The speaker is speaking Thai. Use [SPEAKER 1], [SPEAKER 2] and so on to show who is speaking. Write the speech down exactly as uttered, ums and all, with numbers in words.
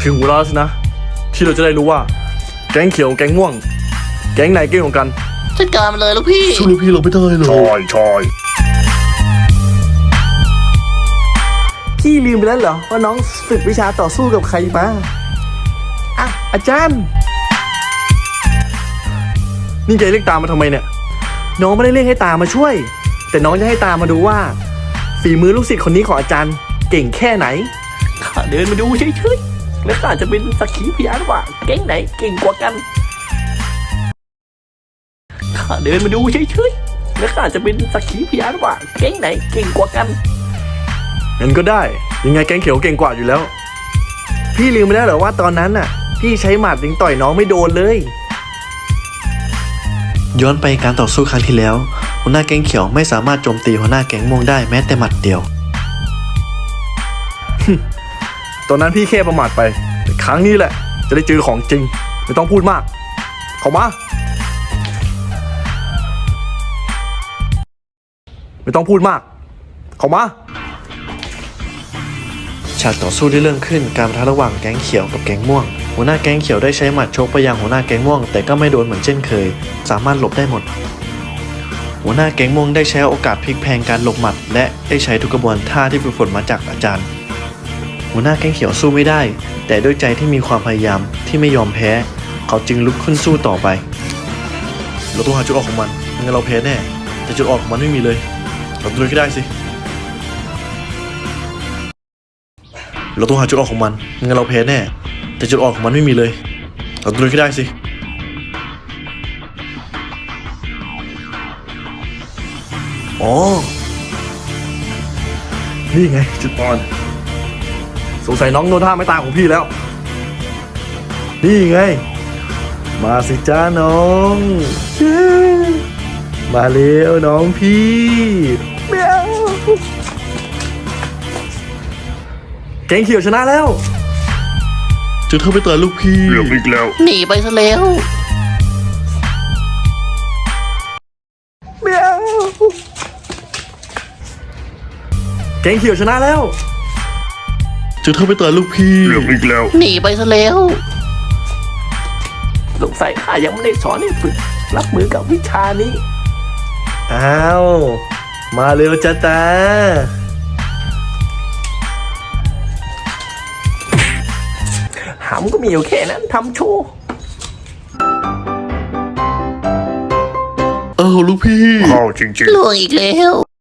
[SPEAKER 1] ถึงเวลาสินะที่เราจะได้รู้ว่าแก๊งเขียวแก๊งม่วงแก๊งไหนเก่งกว่ากัน
[SPEAKER 2] จัดการมันเลยลูกพี่
[SPEAKER 1] สู้ลูกพี่เราไม่ได้เลย
[SPEAKER 3] ใช่ใช่
[SPEAKER 1] พี่ลืมไปแล้วเหรอว่าน้องฝึกวิชาต่อสู้กับใครมาอ่ะอาจารย์นี่แกเรียกตามมาทำไมเนี่ยน้องไม่ได้เรียกให้ตามมาช่วยแต่น้องจะให้ตามมาดูว่าฝีมือลูกศิษย์คนนี้ของอาจารย์เก่งแค่ไหน
[SPEAKER 2] ข้าเดินมาดูเฉยๆแล้วข้าจะเป็นสักขีพยานว่าแก๊งไหนเก่งกว่ากันข้าเดินมาดูเฉยๆแล้วข้าจะเป็นสักขีพยานว่าแก๊งไหนเก่งกว่ากัน
[SPEAKER 1] งั้นก็ได้ยังไงแก๊งเขียวเก่งกว่าอยู่แล้วพี่ลืมไปแล้วเหรอว่าตอนนั้นน่ะพี่ใช้หมัดยิงต่อยน้องไม่โดนเลย
[SPEAKER 4] ย้อนไปการต่อสู้ครั้งที่แล้วหัวหน้าแก๊งเขียวไม่สามารถโจมตีหัวหน้าแก๊งม่วงได้แม้แต่หมัดเดียว
[SPEAKER 1] ตอนนั้นพี่แค่ประมาทไปแต่ครั้งนี้แหละจะได้เจอของจริงไม่ต้องพูดมากเข้ามาไม่ต้องพูดมากเข้ามา
[SPEAKER 4] ฉากต่อสู้ได้เริ่มขึ้นการปะทะระหว่างแก๊งเขียวกับแก๊งม่วงหัวหน้าแก๊งเขียวได้ใช้หมัดชกไปยังหัวหน้าแก๊งม่วงแต่ก็ไม่โดนเหมือนเช่นเคยสามารถหลบได้หมดหัวหน้าแก๊งม่วงได้ใช้โอกาสพลิกแพลงการหลบหมัดและได้ใช้ทุกกระบวนท่าที่ฝึกฝนมาจากอาจารย์หัวหน้าแก๊งเขียวสู้ไม่ได้แต่ด้วยใจที่มีความพยายามที่ไม่ยอมแพ้เขาจึงลุกขึ้นสู้ต่อไปเราต้องหาจุดออกของมันไม่งั้นเราแพ้แน่แต่จุดออกของมันไม่มีเลยเราต้องลุยให้ได้สิเราต้องหาจุดออกของมันไม่งั้นเราแพ้แน่แต่จุดออกของมันไม่มีเลยเราต้องลุยให้ได้สิ
[SPEAKER 1] อ๋อนี่ไงจุดอ่อนสงสัยน้องโนท่าไม่ตายของพี่แล้วนี่ไงมาสิจ้าน้องมาเร็วน้องพี่เมียวแก๊งเขียวชนะแล้ว
[SPEAKER 4] จะเธอไปต่อยลูกพี่
[SPEAKER 3] เรื่องอีกแล้ว
[SPEAKER 2] หนีไปซะแล้ว
[SPEAKER 1] เมียวแก๊งเขียวชนะแล้ว
[SPEAKER 4] จะเธอไปต่อยลูกพี่
[SPEAKER 3] เรื่องอีกแล้ว
[SPEAKER 2] หนีไปซะแล้วสงสัยข้ายังไม่ได้สอนให้ฝึกรับมือกับวิชานี้
[SPEAKER 1] อ้าวมาเร็วจ้าตา
[SPEAKER 2] หำก็มีอยู่แค่นั้นทำโชว์
[SPEAKER 4] เออลูกพี่
[SPEAKER 3] เข้าจริง
[SPEAKER 2] ล่วงอีกแล้ว